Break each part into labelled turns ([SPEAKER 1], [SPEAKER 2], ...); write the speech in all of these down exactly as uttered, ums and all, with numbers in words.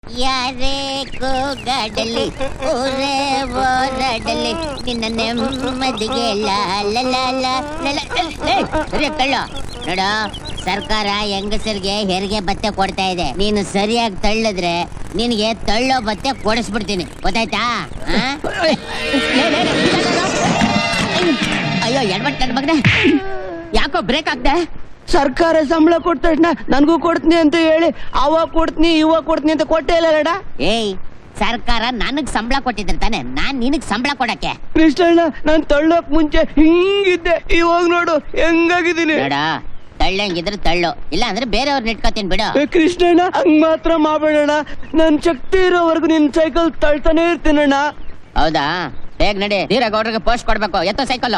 [SPEAKER 1] ಯಾರೇ ಕೂಗಾಡಲಿ ಊರೇ ಓಡಾಡಲಿ ನಿನ್ನ ನೆಮ್ಮದಿಗೆ ಕಳ್ಳ ನೋಡ, ಸರ್ಕಾರ ಹೆಂಗಸರಿಗೆ ಹೆರಿಗೆ ಭತ್ತೆ ಕೊಡ್ತಾ ಇದೆ. ನೀನು ಸರಿಯಾಗಿ ತಳ್ಳಿದ್ರೆ ನಿನಗೆ ತಳ್ಳೋ ಭತ್ತೆ ಕೊಡಿಸ್ಬಿಡ್ತೀನಿ, ಗೊತ್ತಾಯ್ತಾ? ಅಯ್ಯೋ ಎಡ್ಬಟ್ ನನ್ನ ಮಗನೇ, ಯಾಕೋ ಬ್ರೇಕ್ ಆಗ್ದೆ?
[SPEAKER 2] ಸರ್ಕಾರ ಸಂಬಳ ಕೊಟ್ಟ ತಕ್ಷಣ ನನ್ಗೂ ಕೊಡ್ತೀನಿ ಅಂತ ಹೇಳಿ ಅವಾಗ ಕೊಡ್ತೀನಿ ಇವಾಗ ಕೊಡ್ತೀನಿ ಅಂತ ಕೊಟ್ಟೇ ಇಲ್ಲ ಲಡ.
[SPEAKER 1] ಏಯ್, ಸರ್ಕಾರ ನನಗ್ ಸಂಬಳ ಕೊಟ್ಟಿದ್ರೆ ತಾನೆ ನಾನ್ ನಿನಗ್ ಸಂಬಳ ಕೊಡಕ್ಕೆ.
[SPEAKER 2] ಕೃಷ್ಣಣ್ಣ, ನಾನ್ ತಳ್ಳೋಕ್ ಮುಂಚೆ ಹಿಂಗಿದ್ದೆ, ಇವಾಗ ನೋಡು ಹೆಂಗಾಗಿದ್ದೀನಿ.
[SPEAKER 1] ನೋಡ, ತಳ್ಳಂಗಿದ್ರೆ ತಳ್ಳು, ಇಲ್ಲ ಅಂದ್ರೆ ಬೇರೆಯವ್ರನ್ನ ಇಟ್ಕೋತೀನಿ ಬಿಡು.
[SPEAKER 2] ಕೃಷ್ಣಣ್ಣ, ಹಂಗ್ ಮಾತ್ರ ಮಾಡ್ಬೇಡಣ್ಣ. ನನ್ ಶಕ್ತಿ ಇರೋವರೆಗೂ ನಿನ್ ಸೈಕಲ್ ತಳ್ತಾನೆ ಇರ್ತೀನಣ್ಣ.
[SPEAKER 1] ಹೌದಾ? ಬೇಗ ನಡಿ, ಧೀರಗೌಡ್ರಿಗೆ ಪೋಸ್ಟ್ ಕೊಡ್ಬೇಕು. ಎತ್ತೋ cycle.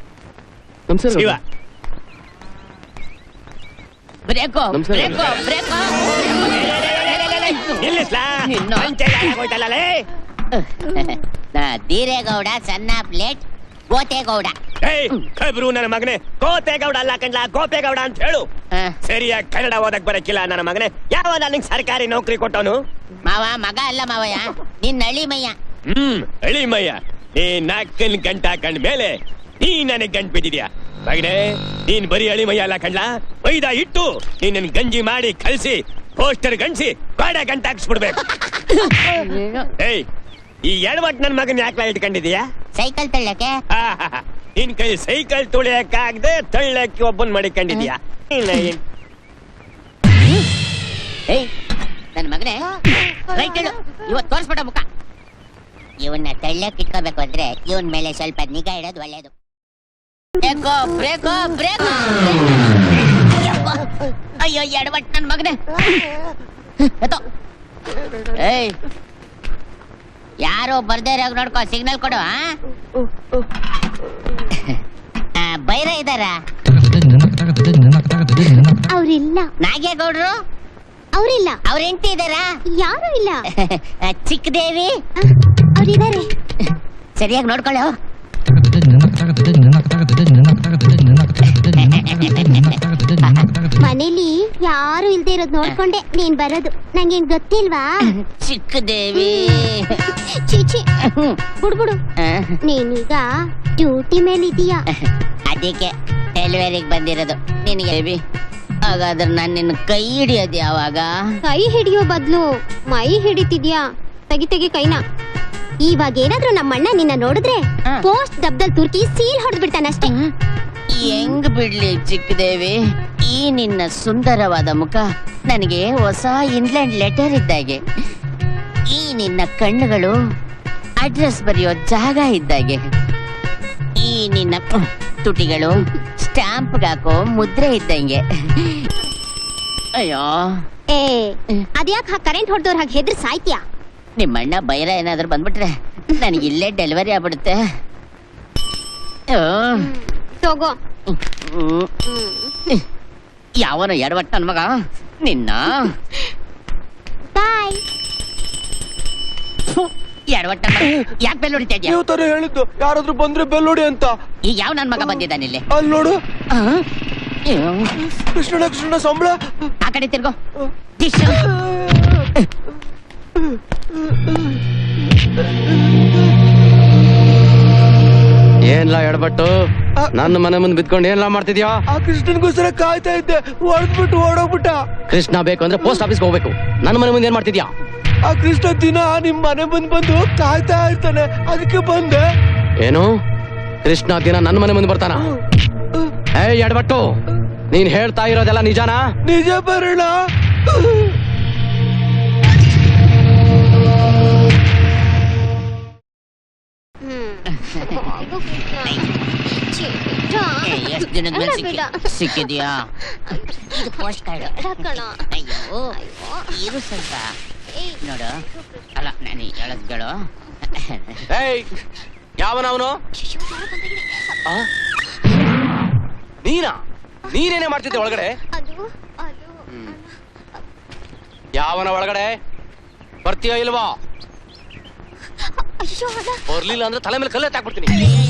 [SPEAKER 1] Brake brake brake. Dheeregowda ಸಣ್ಣ ಪ್ಲೇಟ್ ಗೋತೇಗೌಡ.
[SPEAKER 3] ಕಬ್ರು ನನ್ನ ಮಗನೇ, ಗೋತೇಗೌಡ ಅಲ್ಲ ಕಣ್ಲ, ಗೋಪೇಗೌಡ ಅಂತ ಹೇಳು. ಸರಿಯಾಗಿ ಕನ್ನಡ ಓದಕ್ ಬರಕ್ಕಿಲ್ಲ ನನ್ನ ಮಗನೇ. ಯಾವ ನನಗೆ ಸರ್ಕಾರಿ ನೌಕರಿ ಕೊಟ್ಟವನು?
[SPEAKER 1] ಮಾವ ಮಗ ಅಲ್ಲ ಮಾವಯ್ಯ, ನಿನ್ನ ಹಳ್ಳಿ ಮಯ್ಯ.
[SPEAKER 3] ಹ್ಮ್, ಹಳ್ಳಿ ಮಯ್ಯ. ನೀ ನಾಲ್ಕನ್ ಗಂಟ ಕಂಡ ಮೇಲೆ ನೀ ನನಗ್ ಗಂಟ್ ಬಿದ್ದಿದ್ಯಾ ಮಗನೇ. ನೀನ್ ಬರೀ ಹಳ್ಳಿ ಮಯ್ಯ ಅಲ್ಲ ಕಣ್ಲ, ಮೈದಾ ಇಟ್ಟು ನೀನ್ ಗಂಜಿ ಮಾಡಿ ಕಲ್ಸಿ ಪೋಸ್ಟರ್ ಗಂಟ್ಸಿ ಗಾಡ ಗಂಟ ಹಾಕ್ಸ್ಬಿಡ್ಬೇಕು. ಏಯ್, ಈ ಎಡವಟ್ ನನ್ ಮಗನ್ ಯಾಕೆ ಇಟ್ಕೊಂಡಿದೀಯಾ?
[SPEAKER 1] ಸೈಕಲ್ ತಳ್ಳಕ್ಕೆ.
[SPEAKER 3] ನಿನ್ ಕೈ ಸೈಕಲ್ ತುಳಿಯಕ್ಕಾಗದೆ ತಳ್ಳಕ್ಕೆ ಒಬ್ಬನ್ ಮಾಡಿಕೊಂಡಿದ್ಯಾ?
[SPEAKER 1] ಏಯ್ ನನ್ ಮಗನೇ, ರೈಟ್ ಹೇಳು. ಇವತ್ತು ತೋರಿಸ್ಬಿಡ ಮುಖ. ಇವನ್ನ ತಳ್ಳಕ್ ಇಟ್ಕೋಬೇಕು ಅಂದ್ರೆ ಇವನ್ ಮೇಲೆ ಸ್ವಲ್ಪ ನಿಗಾ ಇಡೋದು ಒಳ್ಳೇದು. ಬ್ರೇಕೋ ಬ್ರೇಕೋ ಬ್ರೇಕೋ. ಅಯ್ಯೋ ಎಡವಟ್ ನನ್ ಮಗನೇ. ಏಯ್, ಯಾರೋ ಬರ್ದೇ ಇರೋ ನೋಡ್ಕೋ, ಸಿಗ್ನಲ್ ಕೊಡು. ಬೈರ ಇದಾರ?
[SPEAKER 4] ಅವ್ರಿಲ್ಲ.
[SPEAKER 1] ನಾಗೇಗೌಡ್ರು?
[SPEAKER 4] ಅವ್ರಿಲ್ಲ.
[SPEAKER 1] ಅವ್ರ ಹೆಂಡತಿ ಇದಾರ?
[SPEAKER 4] ಯಾರು ಇಲ್ಲ.
[SPEAKER 1] ಚಿಕ್ಕದೇವಿ?
[SPEAKER 4] ಅವ್ರಿದ್ದಾರೆ.
[SPEAKER 1] ಸರಿಯಾಗಿ ನೋಡ್ಕೊಳ್ಳೋ.
[SPEAKER 4] ಮನೇಲಿ ಯಾರು ಇಲ್ದೇ ಇರೋದ್ ನೋಡ್ಕೊಂಡೆ ನೀನ್ ಬರೋದು. ನಂಗೇನ್ ಗೊತ್ತಿಲ್ವಾ?
[SPEAKER 1] ಚಿಕ್ಕದೇವಿ.
[SPEAKER 4] ಚೀಚಿ ಬಿಡ್ಬಿಡು, ನೀನೀಗ ಡ್ಯೂಟಿ ಮೇಲಿದೀಯಾ.
[SPEAKER 1] ಅದಕ್ಕೆ ಡೆಲಿವರಿಗೆ ಬಂದಿರೋದು ನಿನಗೆ. ಹಾಗಾದ್ರೆ ನಾನು ನಿನ್ನ ಕೈ ಹಿಡಿಯೋದು ಯಾವಾಗ?
[SPEAKER 4] ಕೈ ಹಿಡಿಯೋ ಬದ್ಲು ಮೈ ಹಿಡಿತಿದ್ಯಾ. ತೆಗಿ ತೆಗಿ ಕೈನ. ಇವಾಗ ಏನಾದ್ರೂ ನಮ್ಮಣ್ಣ ನಿನ್ನ ನೋಡಿದ್ರೆ ಪೋಸ್ಟ್ ದಬ್ದಲ್ ತುರ್ಕಿ ಸೀಲ್ ಹೊಡೆದ್ ಬಿಡ್ತಾನಷ್ಟೇ.
[SPEAKER 1] ಹೆಂಗ್ ಬಿಡ್ಲಿ ಚಿಕ್ಕದೇವಿ, ಈ ನಿನ್ನ ಸುಂದರವಾದ ಮುಖ ನನಗೆ ಹೊಸ ಇಂಗ್ಲೆಂಡ್ ಲೆಟರ್ ಇದ್ದಾಗೆ. ಈ ನಿನ್ನ ಕಣ್ಣುಗಳು ಅಡ್ರೆಸ್ ಬರೆಯೋ ಜಾಗ ಇದ್ದಾಗೆ. ಈ ನಿನ್ನ ತುಟಿಗಳು ಸ್ಟಾಂಪ್ ಹಾಕೋ ಮುದ್ರೆ ಇದ್ದಂಗೆ. ಅಯ್ಯೋ,
[SPEAKER 4] ಏ ಅದ್ಯಾಕ್ ಕರೆಂಟ್ ಹೊಡೆದವ್ರ ಹಾಗೆ ಹೆದ್ರ ಸಾಯ್ತೀಯಾ?
[SPEAKER 1] ನಿಮ್ಮಣ್ಣ ಬೈರ ಏನಾದ್ರು ಬಂದ್ಬಿಟ್ರೆ ನನಗೆ ಇಲ್ಲೇ ಡೆಲಿವರಿ ಆಗ್ಬಿಡುತ್ತೆ.
[SPEAKER 4] ತಗೋ.
[SPEAKER 1] ಯಾವನು ಎಡವಟ್ಟ ನನ್ ಮಗ ನಿನ್ನ.
[SPEAKER 4] ಬಾಯ್.
[SPEAKER 1] ಎಡವಟ್ಟ ಯಾಕೆ ಬೆಲ್ ಹೊಡಿತಾ ಇದ್ಯಾ?
[SPEAKER 2] ನೀವು ತರ ಹೇಳಿದ್ದು ಯಾರಾದ್ರೂ ಬಂದ್ರೆ ಬೆಲ್ ಹೊಡಿ ಅಂತ.
[SPEAKER 1] ಈಗ ಯಾವ ನನ್ ಮಗ ಬಂದಿದ್ದಾನೆ ಇಲ್ಲಿ?
[SPEAKER 2] ಅಲ್ಲಿ ನೋಡು. ಕೃಷ್ಣಣ್ಣ, ಕೃಷ್ಣ ಸಂಬಳ.
[SPEAKER 1] ಆ ಕಡೆ ತಿರ್ಗೋ.
[SPEAKER 5] ಏನ್ಲಾ ಎಡಬಟ್ಟು, ನನ್ನ ಮನೆ ಮುಂದೆ ಬಿದ್ಕೊಂಡು ಏನ್ಲಾ ಮಾಡ್ತಿದ್ಯಾ?
[SPEAKER 2] ಆ ಕೃಷ್ಣನ್ಗೋಸ್ಕರ ಕಾಯ್ತಾ ಇದ್ದೆ, ಹೊಡೆದ್ಬಿಟ್ಟು ಓಡೋಗ್ಬಿಟ್ಟ.
[SPEAKER 5] ಕೃಷ್ಣ ಬೇಕು ಅಂದ್ರೆ ಪೋಸ್ಟ್ ಆಫೀಸ್ಗೆ ಹೋಗ್ಬೇಕು. ನನ್ನ ಮನೆ ಮುಂದೆ ಏನ್ ಮಾಡ್ತಿದ್ಯಾ?
[SPEAKER 2] ಆ ಕೃಷ್ಣ ದಿನ ನಿಮ್ ಮನೆ ಬಂದ್ ಬಂದು ಕಾಯ್ತಾ ಇರ್ತಾನೆ, ಅದಕ್ಕೆ ಬಂದೆ.
[SPEAKER 5] ಏನು ಕೃಷ್ಣ ದಿನ ನನ್ನ ಮನೆ ಮುಂದೆ ಬರ್ತಾನ? ಏ ಎಡಬಟ್ಟು, ನೀನ್ ಹೇಳ್ತಾ ಇರೋದೆಲ್ಲ ನಿಜಾನಾ?
[SPEAKER 2] ನಿಜ ಬರೋಣ.
[SPEAKER 1] ಎಷ್ಟು ದಿನದ ಮೇಲೆ ಸಿಕ್ಕಿದ್ಯಾ? ಇದು ಪೋಸ್ಟ್ ಕಾರ್ಡ್. ಅಯ್ಯೋ ಇರು ಸ್ವಲ್ಪ ನೋಡು. ಅಲ್ಲ ನಾನು ಹೇಳದ್ಗಳು.
[SPEAKER 5] ಏಯ್, ಯಾವನವನು? ನೀನಾ? ನೀನೇನೇ ಮಾಡ್ತಿದ್ದೆ ಒಳಗಡೆ? ಯಾವನ ಒಳಗಡೆ? ಬರ್ತೀಯೋ ಇಲ್ವಾ? ಬರ್ಲಿಲ್ಲ ಅಂದ್ರೆ ತಲೆ ಮೇಲೆ ಕಲ್ಲೆ ಹಾಕ್ಬಿಡ್ತೀನಿ.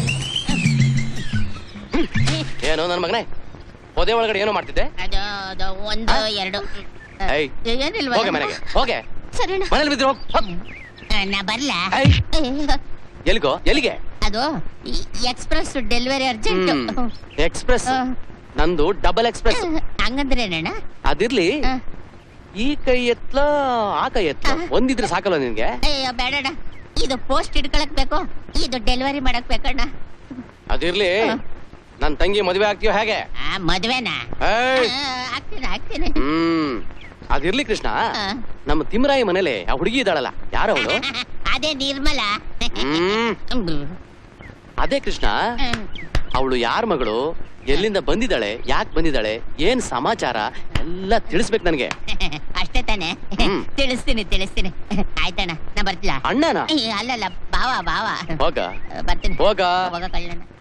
[SPEAKER 5] ಏನು ನನ್ನ ಮಗನೇ, ಪೊದೆ ಒಳಗಡೆ ಏನೋ ಮಾಡ್ತಿದ್ದೆ?
[SPEAKER 1] ಅದು ಒಂದು ಎರಡು
[SPEAKER 5] ಹೋಗೆ ಮನೆಗೆ ಹೋಗೆ.
[SPEAKER 4] ಸರಿಣ್ಣ.
[SPEAKER 5] ಮನೇಲಿ ಬಿದ್ದಿರೋ
[SPEAKER 1] ನಾ ಬರ್ಲಾ
[SPEAKER 5] ಏಯ್. ಎಲ್ಲಿಗೋ ಎಲ್ಲಿಗೆ
[SPEAKER 1] ಅದು ಎಕ್ಸ್ಪ್ರೆಸ್ ಡೆಲಿವರಿ ಅರ್ಜೆಂಟ್.
[SPEAKER 5] ಎಕ್ಸ್ಪ್ರೆಸ್ ನಂದು ಡಬಲ್ ಎಕ್ಸ್ಪ್ರೆಸ್.
[SPEAKER 1] ಹಂಗಂದ್ರೆ ಏನಣ್ಣ?
[SPEAKER 5] ಅದಿರ್ಲಿ
[SPEAKER 1] ಆ.
[SPEAKER 5] ಈ ಕೈ ಎತ್ಲ ಆ ಕೈ ಎತ್ಲ ಒಂದಿದ್ರೆ ಸಾಕಲ್ಲ ನಿನ್ಗೆ?
[SPEAKER 1] ಅಯ್ಯೋ ಬೇಡಣ್ಣ, ಇದು ಪೋಸ್ಟ್ ಹಿಡ್ಕೊಳಕ್ ಬೇಕು, ಇದು ಡೆಲಿವರಿ ಮಾಡಕ್ ಬೇಕಣ್ಣ.
[SPEAKER 5] ಅದಿರ್ಲಿ ನನ್ ತಂಗಿ ಮದುವೆ ಆಗ್ತೀಯೋ ಹೇಗೆ?
[SPEAKER 1] ಆ, ಮದ್ವೆನಾ?
[SPEAKER 5] ಏಯ್.
[SPEAKER 1] ಆ, ಆಗ್ತೀನಿ ಆಗ್ತೀನಿ.
[SPEAKER 5] ಹ್ಮ್ ಅದಿರ್ಲಿ ಕೃಷ್ಣ,
[SPEAKER 1] ಆ.
[SPEAKER 5] ನಮ್ಮ ತಿಮ್ಮರಾಯಿ ಮನೇಲಿ ಆ ಹುಡುಗಿ ಇದ್ದಾಳಲ್ಲ, ಯಾರವಳು?
[SPEAKER 1] ಅದೇ ನಿರ್ಮಲ.
[SPEAKER 5] ಹ್ಮ್ ಅದೇ ಕೃಷ್ಣ, ಅವಳು ಯಾರ ಮಗಳು, ಎಲ್ಲಿಂದ ಬಂದಿದ್ದಾಳೆ, ಯಾಕೆ ಬಂದಿದ್ದಾಳೆ, ಏನ್ ಸಮಾಚಾರ ಎಲ್ಲ ತಿಳಿಸ್ಬೇಕು ನನ್ಗೆ.
[SPEAKER 1] ಅಷ್ಟೇ ತಾನೆ?
[SPEAKER 5] ಹ್ಮ್.
[SPEAKER 1] ತಿಳಿಸ್ತೀನಿ ತಿಳಿಸ್ತೀನಿ. ಆಯ್ತಣ್ಣ, ನಾ ಬರ್ತಿಲ್ಲ.
[SPEAKER 5] ಅಣ್ಣನ
[SPEAKER 1] ಅಲ್ಲಲ್ಲ, ಬಾವ ಬಾವ.
[SPEAKER 5] ಹೋಗ
[SPEAKER 1] ಬರ್ತೀನಿ.
[SPEAKER 5] ಹೋಗ
[SPEAKER 1] ಹೋಗ ಕಳ್ಳಣ್ಣ.